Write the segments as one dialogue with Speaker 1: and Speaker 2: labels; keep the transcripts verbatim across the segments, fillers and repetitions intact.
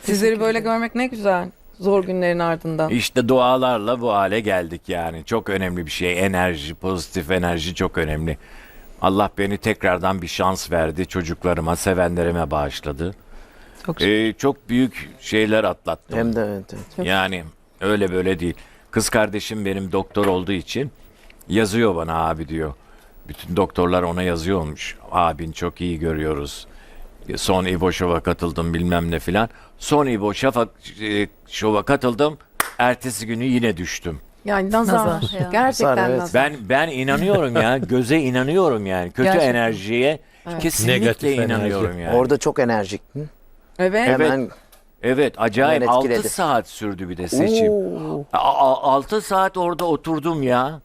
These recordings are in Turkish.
Speaker 1: Sizleri böyle görmek ne güzel. Zor günlerin ardından.
Speaker 2: İşte dualarla bu hale geldik yani. Çok önemli bir şey. Enerji, pozitif enerji çok önemli. Allah beni tekrardan bir şans verdi. Çocuklarıma, sevenlerime bağışladı.
Speaker 1: Çok
Speaker 2: Ee, çok büyük şeyler atlattım.
Speaker 3: Hem de evet, evet.
Speaker 2: Yani öyle böyle değil. Kız kardeşim benim doktor olduğu için yazıyor bana, abi diyor. Bütün doktorlar ona yazıyormuş. Abin çok iyi görüyoruz. Son İbo Show'a katıldım bilmem ne filan. Son İbo Şafak e, Show'a katıldım. Ertesi günü yine düştüm.
Speaker 1: Yani nazar.
Speaker 4: Nazar ya.
Speaker 1: Gerçekten
Speaker 3: Nazar, evet.
Speaker 1: nazar.
Speaker 2: Ben ben inanıyorum ya. Göze inanıyorum yani. Kötü
Speaker 4: Gerçekten.
Speaker 2: enerjiye
Speaker 1: Evet.
Speaker 2: kesinlikle
Speaker 5: Negatif
Speaker 2: inanıyorum
Speaker 5: enerji.
Speaker 2: yani.
Speaker 3: Orada çok enerjik. Hı?
Speaker 1: Evet.
Speaker 3: Hemen
Speaker 2: Evet, acayip
Speaker 3: Hemen
Speaker 2: altı
Speaker 3: etkiledi.
Speaker 2: saat sürdü bir de seçim.
Speaker 3: Oo.
Speaker 2: altı saat orada oturdum ya.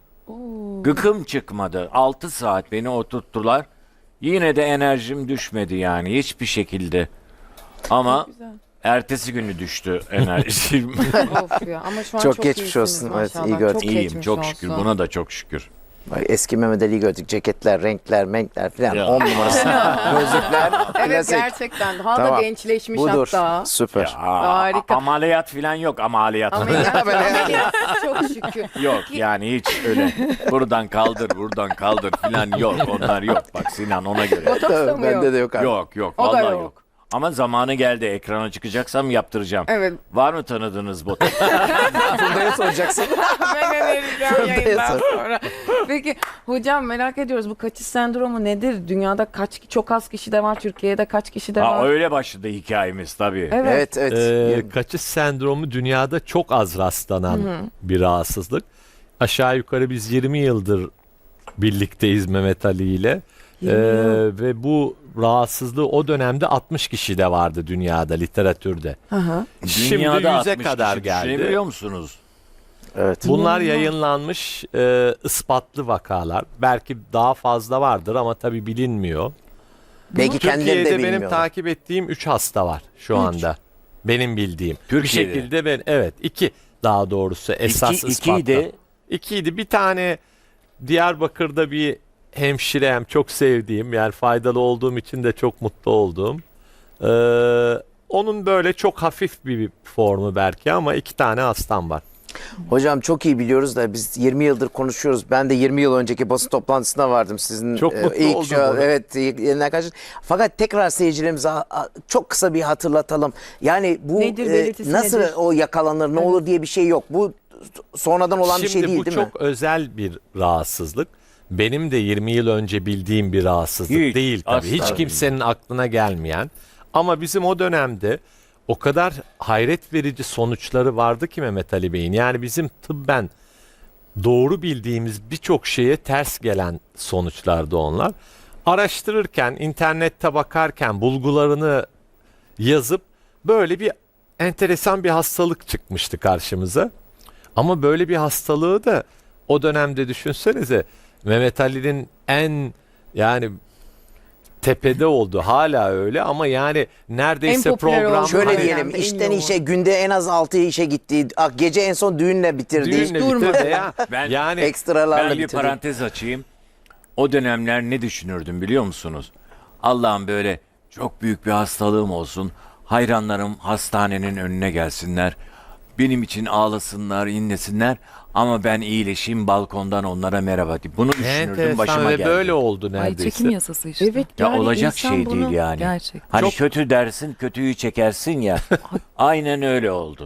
Speaker 2: Gıkım çıkmadı. altı saat beni oturttular. Yine de enerjim düşmedi yani hiçbir şekilde. Ama
Speaker 1: Güzel.
Speaker 2: ertesi günü düştü enerjim.
Speaker 1: Of ya. Ama şu an
Speaker 3: Çok
Speaker 1: çok,
Speaker 3: geçmiş
Speaker 1: iyisiniz
Speaker 3: olsun. Evet,
Speaker 1: maşallah.
Speaker 3: iyi gördük.
Speaker 1: Çok
Speaker 2: İyiyim
Speaker 1: geçmiş
Speaker 2: çok
Speaker 1: olsun.
Speaker 2: şükür, buna da çok şükür.
Speaker 3: Bak, eski Mehmet Ali'yi gördük. Ceketler, renkler, menkler falan.
Speaker 2: Ya.
Speaker 3: On numarası. Gözlükler.
Speaker 1: Evet
Speaker 3: klasik.
Speaker 1: gerçekten. Daha da
Speaker 3: Tamam.
Speaker 1: gençleşmiş
Speaker 3: Budur.
Speaker 1: hatta.
Speaker 3: Süper.
Speaker 2: Ya,
Speaker 1: Harika.
Speaker 2: ameliyat falan yok, ameliyat.
Speaker 1: Ameliyat, ameliyat. Çok şükür.
Speaker 2: Yok yani hiç öyle. Buradan kaldır, buradan kaldır falan yok. Onlar yok. Bak Sinan, ona göre.
Speaker 1: Botoks da mı yok?
Speaker 3: Bende de yok abi.
Speaker 2: Yok yok
Speaker 1: O da
Speaker 2: vallahi
Speaker 1: yok.
Speaker 2: yok. Ama zamanı geldi, ekrana çıkacaksam yaptıracağım.
Speaker 1: Evet.
Speaker 2: Var mı tanıdığınız botoks?
Speaker 3: Funda'ya soracaksın.
Speaker 1: Ben önereceğim yayından sonra. Peki hocam merak ediyoruz, bu kaçış sendromu nedir? Dünyada kaç, çok az kişi de var, Türkiye'de kaç kişi de
Speaker 2: Ha,
Speaker 1: var?
Speaker 2: öyle başladı hikayemiz tabii.
Speaker 1: Evet.
Speaker 3: Evet evet.
Speaker 5: Ee, kaçış sendromu dünyada çok az rastlanan bir rahatsızlık. Aşağı yukarı biz yirmi yıldır birlikteyiz Mehmet Ali ile. Ee, ve bu rahatsızlığı o dönemde altmış kişi de vardı dünyada, literatürde.
Speaker 1: Hı hı.
Speaker 5: Şimdi
Speaker 2: Dünyada
Speaker 5: yüze
Speaker 2: altmış
Speaker 5: kadar
Speaker 2: kişi
Speaker 5: geldi.
Speaker 2: düşünebiliyor musunuz?
Speaker 3: Evet.
Speaker 5: Bunlar yayınlanmış e, ispatlı vakalar. Belki daha fazla vardır ama tabii bilinmiyor.
Speaker 3: Belki kendileri de
Speaker 5: Türkiye'de benim
Speaker 3: bilmiyorlar.
Speaker 5: takip ettiğim üç hasta var şu anda. Benim bildiğim.
Speaker 2: Türkiye'de.
Speaker 5: Bir şekilde ben, evet, iki daha doğrusu esas
Speaker 2: İki,
Speaker 5: ispatla.
Speaker 2: ikiydi.
Speaker 5: İkiydi. Bir tane Diyarbakır'da bir hemşirem, çok sevdiğim, yani faydalı olduğum için de çok mutlu olduğum. Ee, onun böyle çok hafif bir formu belki ama iki tane hastam var.
Speaker 3: Hocam çok iyi biliyoruz da biz yirmi yıldır konuşuyoruz. Ben de yirmi yıl önceki basın toplantısına vardım sizin.
Speaker 5: Çok mutlu
Speaker 3: ilk
Speaker 5: oldum
Speaker 3: şu-
Speaker 5: ona.
Speaker 3: Evet, yeniden karşı. Fakat tekrar seyircilerimize a- a- çok kısa bir hatırlatalım. Yani bu
Speaker 1: Nedir,
Speaker 3: e,
Speaker 1: belirtisi
Speaker 3: nasıl
Speaker 1: nedir?
Speaker 3: o yakalanır, ne olur diye bir şey yok. Bu sonradan olan
Speaker 5: Şimdi
Speaker 3: bir şey değil
Speaker 5: bu
Speaker 3: değil
Speaker 5: çok
Speaker 3: mi?
Speaker 5: özel bir rahatsızlık. Benim de yirmi yıl önce bildiğim bir rahatsızlık
Speaker 2: Hiç,
Speaker 5: değil tabii.
Speaker 2: asla
Speaker 5: Hiç
Speaker 2: değil.
Speaker 5: kimsenin aklına gelmeyen. Ama bizim o dönemde o kadar hayret verici sonuçları vardı ki Mehmet Ali Bey'in. Yani bizim tıbben doğru bildiğimiz birçok şeye ters gelen sonuçlardı onlar. Araştırırken, internette bakarken bulgularını yazıp böyle bir enteresan bir hastalık çıkmıştı karşımıza. Ama böyle bir hastalığı da o dönemde düşünsenize, Mehmet Ali'nin en yani tepede oldu, hala öyle ama yani neredeyse
Speaker 1: En popüler
Speaker 5: program
Speaker 1: oldu.
Speaker 3: Şöyle
Speaker 1: Aynen,
Speaker 3: diyelim,
Speaker 1: en
Speaker 3: işten
Speaker 1: yoğun.
Speaker 3: işe günde en az altı işe gittiği, ah, gece en son düğünle bitirdiği,
Speaker 5: düğünle
Speaker 1: durmadı.
Speaker 5: bitirdi ya.
Speaker 2: Ben-
Speaker 5: yani
Speaker 3: ekstralarla
Speaker 2: Ben bir
Speaker 3: bitirdiği.
Speaker 2: parantez açayım. O dönemler ne düşünürdüm biliyor musunuz? Allah'ım böyle çok büyük bir hastalığım olsun. Hayranlarım hastanenin önüne gelsinler. Benim için ağlasınlar, inlesinler. Ama ben iyileşeyim, balkondan onlara merhaba diyeyim. Bunu düşünürdüm,
Speaker 5: enteresan
Speaker 2: başıma
Speaker 5: ve
Speaker 2: geldi.
Speaker 5: böyle oldu
Speaker 4: Ay
Speaker 5: neredeyse.
Speaker 4: çekim yasası işte.
Speaker 1: Evet.
Speaker 2: Ya
Speaker 1: yani
Speaker 2: olacak
Speaker 1: insan
Speaker 2: şey
Speaker 1: bunu-
Speaker 2: değil yani.
Speaker 4: Gerçek.
Speaker 2: Hani
Speaker 5: Çok-
Speaker 2: kötü dersin, kötüyü çekersin ya. Aynen öyle oldu.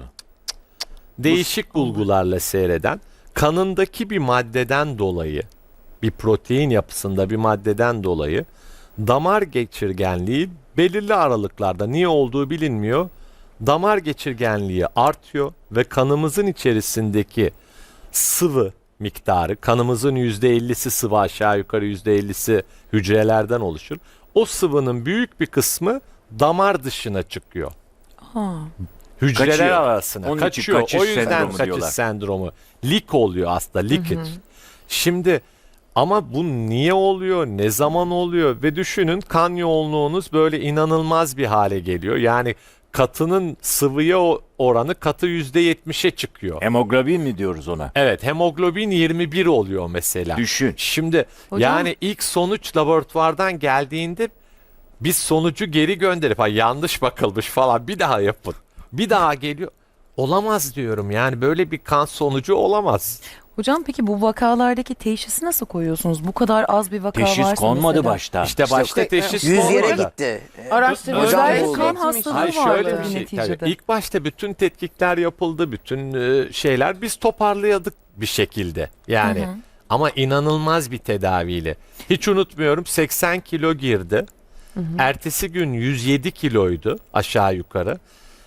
Speaker 5: Değişik bulgularla seyreden, kanındaki bir maddeden dolayı, bir protein yapısında bir maddeden dolayı damar geçirgenliği belirli aralıklarda, niye olduğu bilinmiyor, damar geçirgenliği artıyor ve kanımızın içerisindeki sıvı miktarı, kanımızın yüzde ellisi sıvı, aşağı yukarı yüzde ellisi hücrelerden oluşur. O sıvının büyük bir kısmı damar dışına çıkıyor.
Speaker 4: Ha.
Speaker 5: Hücreler
Speaker 2: Kaçıyor.
Speaker 5: arasına
Speaker 2: Onun için
Speaker 5: kaçıyor.
Speaker 2: kaçış
Speaker 5: O yüzden
Speaker 2: sendromu
Speaker 5: kaçış
Speaker 2: diyorlar.
Speaker 5: sendromu. Leak oluyor aslında, leakage. Şimdi ama bu niye oluyor, ne zaman oluyor ve düşünün, kan yoğunluğunuz böyle inanılmaz bir hale geliyor. Yani katının sıvıya o- oranı katı yüzde yetmişe çıkıyor.
Speaker 2: Hemoglobin mi diyoruz ona?
Speaker 5: Evet, hemoglobin yirmi bir oluyor mesela.
Speaker 2: Düşün.
Speaker 5: Şimdi
Speaker 4: Hocam-
Speaker 5: yani ilk sonuç laboratuvardan geldiğinde biz sonucu geri gönderip ha yanlış bakılmış falan bir daha yapın. Bir daha geliyor. Olamaz diyorum. Yani böyle bir kan sonucu olamaz.
Speaker 4: Hocam peki bu vakalardaki teşhisi nasıl koyuyorsunuz? Bu kadar az bir vaka
Speaker 2: Teşhis
Speaker 4: varsa
Speaker 2: konmadı
Speaker 4: mesela.
Speaker 2: başta.
Speaker 5: İşte başta teşhis
Speaker 3: Yüz yere
Speaker 5: olmadı.
Speaker 3: gitti.
Speaker 1: Araştırmalar
Speaker 3: Hocam,
Speaker 1: buldu.
Speaker 4: kan hastalığı
Speaker 5: Hayır
Speaker 4: vardı
Speaker 5: şöyle bir
Speaker 4: tabii
Speaker 5: şey.
Speaker 4: neticede.
Speaker 5: Tabii. İlk başta bütün tetkikler yapıldı, bütün e, şeyler biz toparlayadık bir şekilde. Yani
Speaker 4: Hı hı.
Speaker 5: ama inanılmaz bir tedaviyle. Hiç unutmuyorum seksen kilo girdi. Ertesi gün yüz yedi kiloydu aşağı yukarı.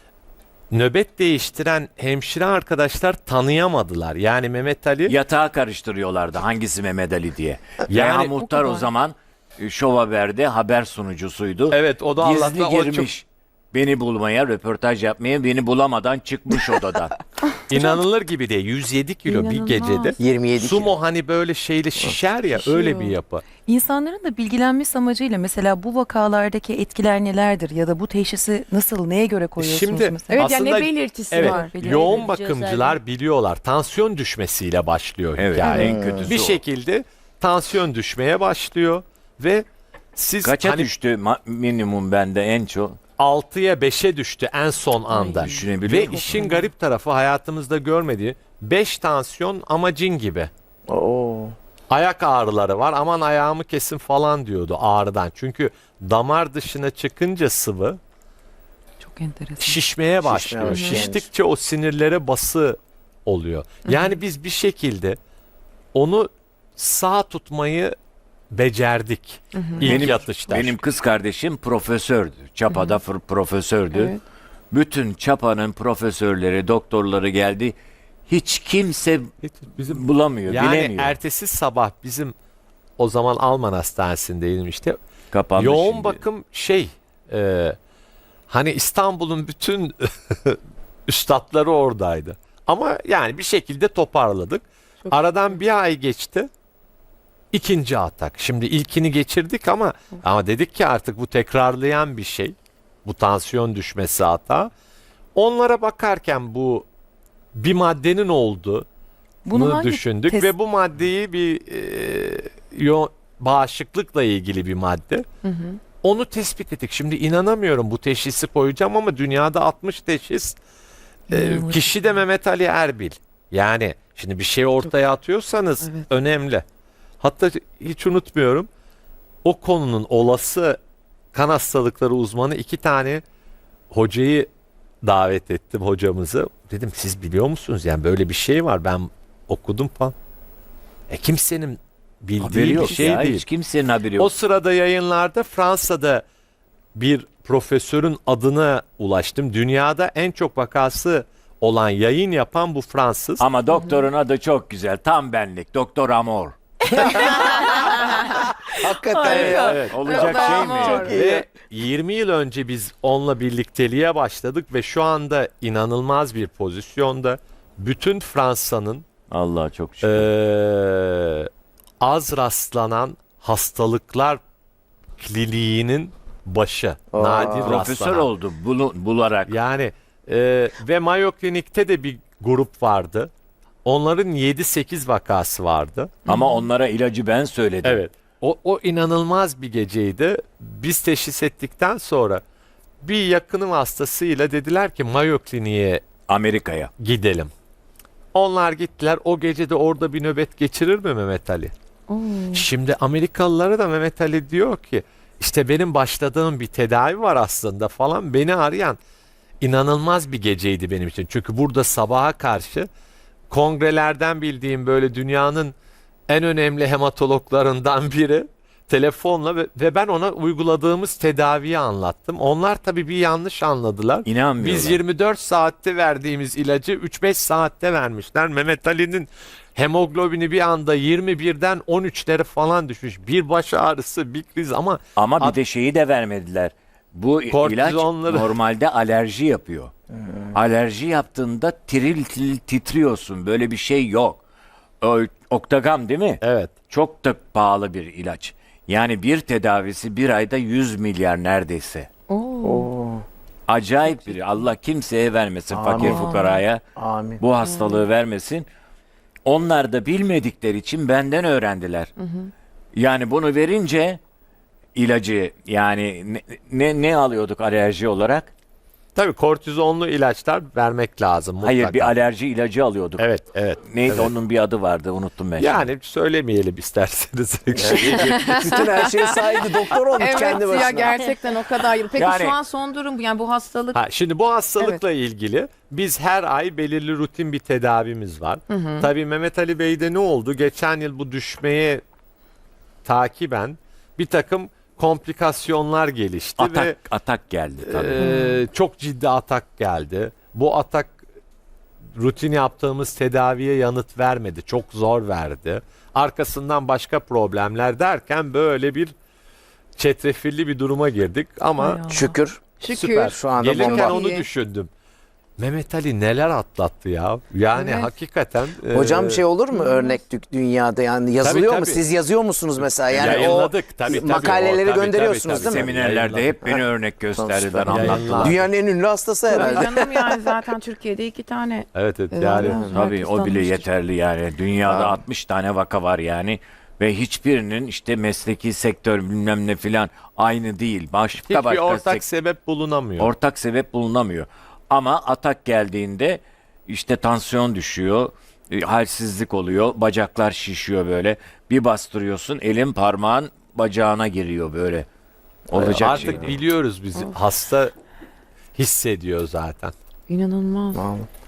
Speaker 5: Nöbet değiştiren hemşire arkadaşlar tanıyamadılar. Yani Mehmet Ali
Speaker 2: Yatağa karıştırıyorlardı hangisi Mehmet Ali diye.
Speaker 5: Yani
Speaker 2: Yani
Speaker 4: o
Speaker 2: muhtar o
Speaker 4: kadar.
Speaker 2: zaman e, Şov Haber'de haber sunucusuydu.
Speaker 5: evet o da
Speaker 2: Gizli
Speaker 5: Allah'tan o çok
Speaker 2: girmiş. Beni bulmaya, röportaj yapmaya, beni bulamadan çıkmış odadan.
Speaker 5: inanılır gibi değil. yüz yedi kilo bir
Speaker 4: İnanılmaz.
Speaker 5: gecede.
Speaker 3: yirmi yedi kilo.
Speaker 5: Sumo hani böyle şeyle şişer ya
Speaker 4: Şişiyor.
Speaker 5: öyle bir yapı.
Speaker 4: İnsanların da bilgilenmesi amacıyla mesela bu vakalardaki etkiler nelerdir ya da bu teşhisi nasıl, neye göre koyuyorsunuz
Speaker 5: Şimdi-
Speaker 4: mesela?
Speaker 1: Evet, yani
Speaker 5: Aslında-
Speaker 1: ne belirtisi
Speaker 5: Evet,
Speaker 1: var?
Speaker 5: yoğun
Speaker 1: Belirtici
Speaker 5: bakımcılar biliyorlar. Tansiyon düşmesiyle başlıyor
Speaker 2: Evet,
Speaker 5: hikaye.
Speaker 2: en kötüsü
Speaker 5: Bir
Speaker 2: o.
Speaker 5: şekilde tansiyon düşmeye başlıyor ve siz
Speaker 2: Kaça
Speaker 5: hani
Speaker 2: düştü ma- minimum bende en çok?
Speaker 5: altıya beşe düştü en son anda.
Speaker 2: düşünebiliyor
Speaker 5: Ve
Speaker 2: musun?
Speaker 5: işin garip tarafı hayatımızda görmediği beş tansiyon ama cin gibi.
Speaker 3: Oo.
Speaker 5: Ayak ağrıları var aman ayağımı kesin falan diyordu ağrıdan. Çünkü damar dışına çıkınca sıvı
Speaker 4: Çok enteresan.
Speaker 5: şişmeye başlıyor.
Speaker 3: başlıyor.
Speaker 5: Şiştikçe o sinirlere bası oluyor. Yani biz bir şekilde onu sağ tutmayı becerdik. İlk
Speaker 2: Benim,
Speaker 5: yatışta.
Speaker 2: benim kız kardeşim profesördü. Çapa'da fır- profesördü.
Speaker 1: Evet.
Speaker 2: Bütün Çapa'nın profesörleri, doktorları geldi. Hiç kimse
Speaker 5: Bizim
Speaker 2: bulamıyor,
Speaker 5: yani
Speaker 2: bilemiyor.
Speaker 5: ertesi sabah bizim o zaman Alman hastanesindeydim işte.
Speaker 2: Kapandı
Speaker 5: Yoğun
Speaker 2: şimdi.
Speaker 5: bakım şey e, hani İstanbul'un bütün üstadları oradaydı. Ama yani bir şekilde toparladık. Aradan bir ay geçti. İkinci atak. Şimdi ilkini geçirdik ama ama dedik ki artık bu tekrarlayan bir şey. Bu tansiyon düşmesi hata. Onlara bakarken bu bir maddenin oldu.
Speaker 4: Bunu
Speaker 5: Bunu
Speaker 4: hangi
Speaker 5: düşündük
Speaker 4: test-
Speaker 5: ve bu maddeyi bir e, yo, bağışıklıkla ilgili bir madde. Onu tespit ettik. Şimdi inanamıyorum bu teşhisi koyacağım ama dünyada altmış teşhis. E,
Speaker 4: İnanılmaz.
Speaker 5: kişi de Mehmet Ali Erbil. Yani şimdi bir şey ortaya atıyorsanız
Speaker 1: Evet.
Speaker 5: önemli. Hatta hiç unutmuyorum. O konunun olası kan hastalıkları uzmanı iki tane hocayı davet ettim hocamızı. Dedim siz biliyor musunuz yani böyle bir şey var ben okudum falan. E kimsenin bildiği
Speaker 2: Haberi
Speaker 5: bir
Speaker 2: yok
Speaker 5: şey
Speaker 2: ya.
Speaker 5: değil.
Speaker 2: Hiç kimsenin haberi yok.
Speaker 5: O sırada yayınlarda Fransa'da bir profesörün adına ulaştım. Dünyada en çok vakası olan yayın yapan bu Fransız.
Speaker 2: Ama doktorun adı çok güzel. Tam benlik. Doktor Amor.
Speaker 3: Hakikaten ya.
Speaker 5: Evet.
Speaker 2: Olacak şey mi?
Speaker 1: Amor.
Speaker 2: yani?
Speaker 5: Ve yirmi yıl önce biz onunla birlikteliğe başladık ve şu anda inanılmaz bir pozisyonda bütün Fransa'nın
Speaker 2: Allah çok şükür.
Speaker 5: eee, az rastlanan hastalıklar kliniğinin başı.
Speaker 3: Aa.
Speaker 5: Nadir
Speaker 2: Profesör
Speaker 5: rastlanan.
Speaker 2: oldu bunu bularak.
Speaker 5: Yani eee, ve Mayo Klinik'te de bir grup vardı. Onların yedi sekiz vakası vardı.
Speaker 2: Ama onlara ilacı ben söyledim.
Speaker 5: Evet. O, o inanılmaz bir geceydi. Biz teşhis ettikten sonra bir yakınım hastasıyla dediler ki Mayo Klinik'e
Speaker 2: Amerika'ya.
Speaker 5: gidelim. Onlar gittiler. O gece de orada bir nöbet geçirir mi Mehmet Ali? Şimdi Amerikalılara da Mehmet Ali diyor ki işte benim başladığım bir tedavi var aslında falan. Beni arayan inanılmaz bir geceydi benim için. Çünkü burada sabaha karşı kongrelerden bildiğim böyle dünyanın en önemli hematologlarından biri telefonla ve, ve ben ona uyguladığımız tedaviyi anlattım. Onlar tabii bir yanlış anladılar.
Speaker 2: İnanmıyorlar.
Speaker 5: Biz yirmi dört saatte verdiğimiz ilacı üç beş saatte vermişler. Mehmet Ali'nin hemoglobini bir anda yirmi birden on üçlere falan düşmüş. Bir baş ağrısı, bir kriz ama
Speaker 2: Ama bir
Speaker 5: At-
Speaker 2: de şeyi de vermediler. Bu ilaç
Speaker 5: Kortizonları-
Speaker 2: normalde alerji yapıyor. Alerji yaptığında tiril tiril titriyorsun. Böyle bir şey yok. O, Oktagam değil mi?
Speaker 5: evet.
Speaker 2: Çok da pahalı bir ilaç. Yani bir tedavisi bir ayda yüz milyar neredeyse.
Speaker 3: Oo.
Speaker 2: Acayip bir Allah kimseye vermesin.
Speaker 3: Amin.
Speaker 2: Fakir fukaraya
Speaker 3: Amin.
Speaker 2: bu hastalığı vermesin. Onlar da bilmedikleri için benden öğrendiler. Yani bunu verince ilacı yani ne, ne, ne alıyorduk alerji olarak?
Speaker 5: Tabii kortizonlu ilaçlar vermek lazım mutlaka.
Speaker 2: Hayır, bir alerji ilacı alıyorduk.
Speaker 5: Evet, evet.
Speaker 2: Neydi
Speaker 5: evet.
Speaker 2: onun bir adı vardı, unuttum ben. şimdi.
Speaker 5: Yani söylemeyelim isterseniz.
Speaker 3: Bütün her şeye sahibi doktor olmuş
Speaker 1: Evet
Speaker 3: kendi başına.
Speaker 1: ya, gerçekten o kadar. Peki
Speaker 2: Yani-
Speaker 1: şu an son durum bu. Yani bu hastalık
Speaker 5: Ha, şimdi bu hastalıkla ilgili biz her ay belirli rutin bir tedavimiz var. Tabii Mehmet Ali Bey'de ne oldu? Geçen yıl bu düşmeye takiben bir takım komplikasyonlar gelişti
Speaker 2: atak
Speaker 5: ve
Speaker 2: atak geldi tabii.
Speaker 5: e, çok ciddi atak geldi. Bu atak rutin yaptığımız tedaviye yanıt vermedi. Çok zor verdi. Arkasından başka problemler derken böyle bir çetrefilli bir duruma girdik ama
Speaker 4: Hay Allah.
Speaker 3: Şükür.
Speaker 1: şükür.
Speaker 3: Süper. Şu anda
Speaker 5: gelirken
Speaker 3: bomba.
Speaker 5: onu
Speaker 1: İyi.
Speaker 5: düşündüm. Mehmet Ali neler atlattı ya. Yani
Speaker 1: Evet.
Speaker 5: hakikaten.
Speaker 3: Hocam
Speaker 5: e,
Speaker 3: şey olur mu örnek dü- dünyada yani yazılıyor
Speaker 5: Tabii,
Speaker 3: mu?
Speaker 5: tabii.
Speaker 3: Siz yazıyor musunuz mesela? Yani
Speaker 5: Yayınladık.
Speaker 3: o
Speaker 5: Tabii, tabii,
Speaker 3: makaleleri
Speaker 5: o, tabii,
Speaker 3: gönderiyorsunuz
Speaker 5: tabii,
Speaker 3: değil mi?
Speaker 5: tabii.
Speaker 2: Seminerlerde hep beni
Speaker 3: Ha.
Speaker 2: örnek gösterdiler,
Speaker 3: Süper.
Speaker 2: anlattılar.
Speaker 5: Yayınladık.
Speaker 3: Dünyanın en ünlü hastası herhalde.
Speaker 1: Tabii canım, yani zaten Türkiye'de iki tane.
Speaker 5: Evet evet
Speaker 1: Evet,
Speaker 5: yani.
Speaker 1: evet.
Speaker 2: Tabii
Speaker 1: Herkes
Speaker 2: o bile
Speaker 1: tanımıştır.
Speaker 2: yeterli yani. Dünyada
Speaker 3: Ha.
Speaker 2: altmış tane vaka var yani. Ve hiçbirinin işte mesleki sektör bilmem ne filan aynı değil. Başka
Speaker 5: Hiçbir
Speaker 2: başka
Speaker 5: ortak
Speaker 2: sek-
Speaker 5: sebep bulunamıyor.
Speaker 2: ortak sebep bulunamıyor. Ama atak geldiğinde işte tansiyon düşüyor, e, halsizlik oluyor, bacaklar şişiyor böyle. Bir bastırıyorsun, elin parmağın bacağına giriyor böyle. Olacak
Speaker 5: Artık
Speaker 2: şey değil.
Speaker 5: biliyoruz biz hasta hissediyor zaten.
Speaker 1: İnanılmaz.
Speaker 3: Vallahi.